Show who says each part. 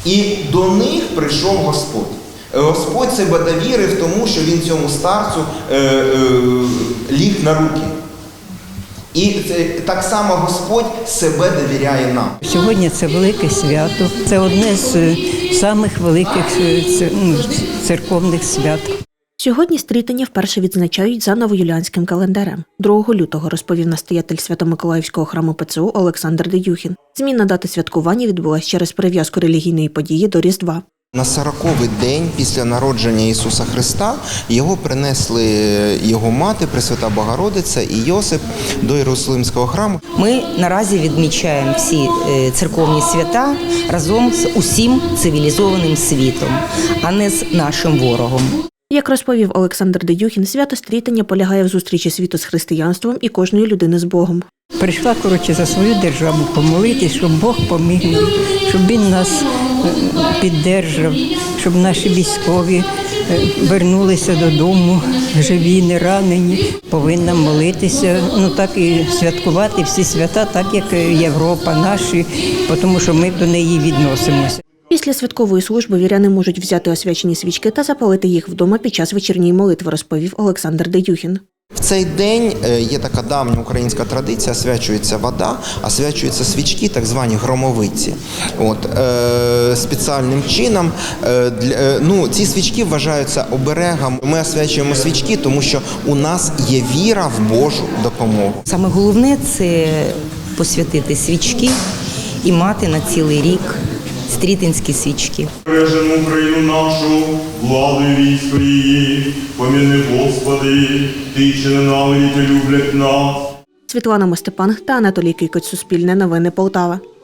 Speaker 1: І до них прийшов Господь. Господь себе довірив тому, що він цьому старцю ліг на руки. І так само Господь себе довіряє нам.
Speaker 2: Сьогодні це велике свято, це одне з самих великих церковних свят.
Speaker 3: Сьогодні стрітення вперше відзначають за новоюліанським календарем. 2 лютого, розповів настоятель Свято-Миколаївського храму ПЦУ Олександр Деюхін. Зміна дати святкування відбулась через прив'язку релігійної події до Різдва.
Speaker 1: На 40-й день після народження Ісуса Христа його принесли його мати, Пресвята Богородиця і Йосип до Єрусалимського храму.
Speaker 4: Ми наразі відмічаємо всі церковні свята разом з усім цивілізованим світом, а не з нашим ворогом.
Speaker 3: Як розповів Олександр Деюхін, свято стрітення полягає в зустрічі світу з християнством і кожної людини з Богом.
Speaker 2: Прийшла, за свою державу помолитись, щоб Бог поміг нам, щоб Він нас піддержав, щоб наші військові вернулися додому, живі, не ранені. Повинна молитися, так і святкувати всі свята, так як Європа, наші, тому що ми до неї відносимося.
Speaker 3: Після святкової служби віряни можуть взяти освячені свічки та запалити їх вдома під час вечірньої молитви, розповів Олександр Деюхін.
Speaker 1: В цей день є така давня українська традиція, освячується вода, освячуються свічки, так звані громовиці. Спеціальним чином ці свічки вважаються оберегом. Ми освячуємо свічки, тому що у нас є віра в Божу допомогу.
Speaker 4: Саме головне – це посвятити свічки і мати на цілий рік стрітинські свічки.
Speaker 5: Бережемо Україну нашу, владу і військо її, поміни Господи, Ти, що ненавидять і люблять нас.
Speaker 3: Світлана Мостепан та Анатолій Кикоць, Суспільне новини, Полтава.